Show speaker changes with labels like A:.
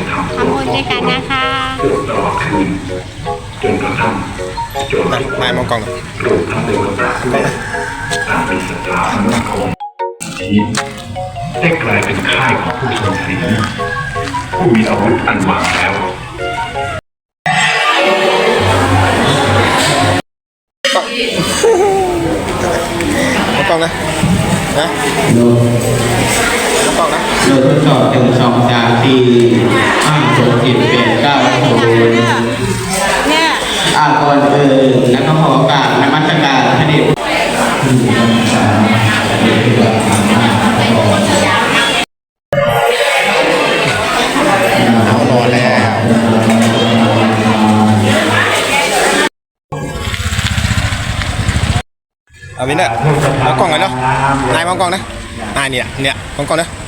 A: ทำบุญด้วยกันนะคะตลอดคืนจนกระทั่งโจรทุกคนมองกล้องรวมทั้งตัวกระด้วยต่างมีศรัทธามั่นคงนี้ได้กลายเป็นค่ายของผู้ทรงศีลผู้มีอาวุธอันวางแล้ว
B: มองกล้องนะนะมองกล้องนะ
C: โดยทดสอบถึง2 3 4 5 6 7 8 9 10
D: เนี่ย
C: ก่อนแล้วก็ขอโอกาสนมัสการพระเดช
B: รอแล้วเอาวินเนอร์มองกล้องกันเนาะนายมองกล้องนะนายเนี่ยมองกล้องนะ